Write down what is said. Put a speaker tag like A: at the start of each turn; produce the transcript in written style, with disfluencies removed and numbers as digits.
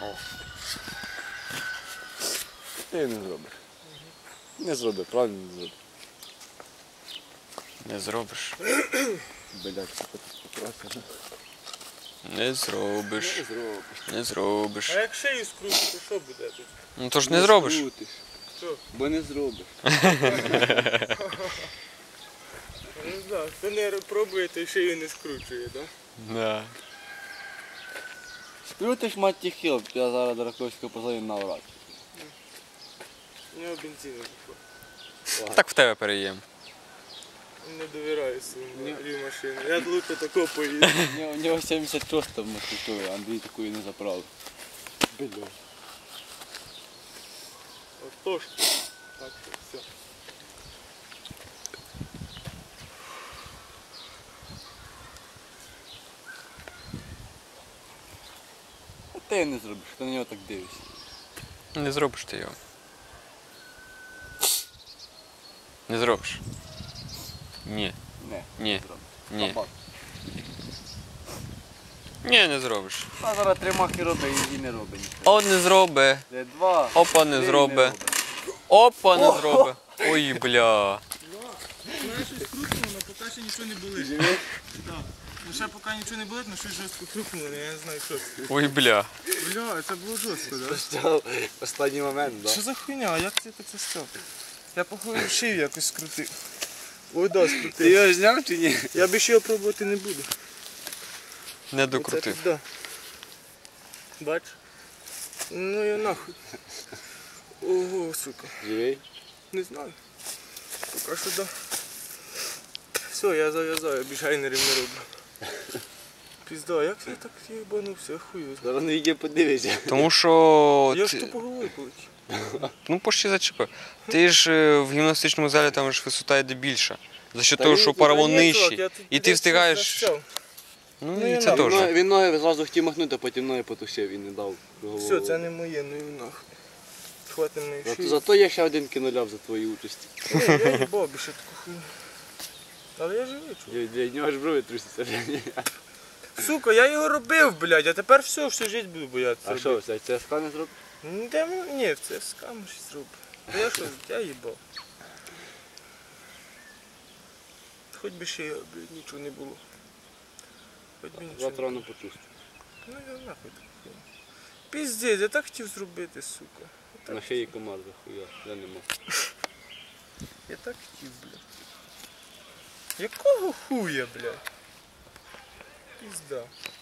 A: О.
B: Ти не зробиш. Не зроби, правильно не зроби.
A: Не зробиш.
B: Блядь, це потрапило.
A: Не зробиш.
B: Не зробиш.
A: Не зробиш.
C: А як шию скрутити, то що буде тут?
A: Ну то ж не зробиш.
B: скрутиш.
C: Що?
B: Бо не зробиш.
C: Не знаю, хто не пробує, той шию не скручує, так?
A: Да.
B: Скрутиш, мать ті хіл, я зараз до Раковського позвоню на урад.
C: У нього бензину пішло.
A: Так в тебе переїм.
C: Не довіряю своїм машині. Я лучше тако поїду.
B: У нього 76 там мотивує, Андрій такої не заправив. Блядь.
C: Отож. Так що все.
B: А ти не зробиш, ти на нього так дивишся.
A: Не зробиш ти його. Не зробиш. Ні.
B: Не,
A: Ні.
B: не зробиш.
A: Ні.
B: Кабак.
A: Ні, не зробиш.
B: А зараз 3 махи робить і не робить нічого.
A: О, не зроби.
B: Де 2.
A: Опа, не зроби. Опа, не зроби. Ой, бля.
C: Знаєш, щось крутнуло, але поки ще нічого не болить.
B: Живеш?
C: Так. Ну ще поки нічого не болить, але щось жорстко крутнуло, я не знаю що це.
A: Ой, бля.
C: Бля, це було жорстко, так?
B: Став останній момент,
C: Що за хуйня? А як ти це став? Я походу шию якось скрутив. Ой, да,
B: Ти
C: скрутив.
B: його зняв чи ні?
C: Я більше його пробувати не буду.
A: Не
C: Оце
A: докрутив.
C: пізда. Бач? Ну я нахуй. Ого, сука.
B: Живий?
C: Не знаю. Поки що да. Все, я зав'язаю, більше гайнерів не роблю. Пізда, як я так їбанувся, хуй.
B: Зараз на відео подивишся.
A: Тому що...
C: Я ж то по голові полетів.
A: Ну, почти зачепив. Ти ж в гімнастичному залі там ж висота йде більша. За що
B: Та
A: того,
B: ні,
A: що
B: та
A: паравон
C: Ні, чувак,
A: нижчий.
C: я тут
A: І ти
C: десь
A: встигаєш...
C: застряв.
A: Ну,
C: Ну,
A: і
C: я
A: це
C: нахуй.
A: теж.
B: Він ноги зразу хотів махнути, а потім ноги потушив і не дав.
C: Все, це не моє, ну і нахуй. Хватить мене шию.
B: Зато я ще один кіноляв за твою участь.
C: Ні, я їбав більше таку хуйню. Але я живий, чувак.
B: Для нього аж брови трусяться.
C: Сука, я його робив, блядь, а тепер все, всю життя буду боятися.
B: А що, це ЦСК не зробив?
C: Ні, в ЦСКА ми щось зробимо. Я що, я їбав. Хоч би ще, блядь, нічого не було. Хоч би нічого
B: Завтра
C: не
B: рано
C: було.
B: почувствую.
C: Ну я нахуй так хуйня. Піздець, я так хотів зробити, сука.
B: На шиї комар захуя, я не мав.
C: Я так хотів, блядь. Якого хуя, блядь? Пізда.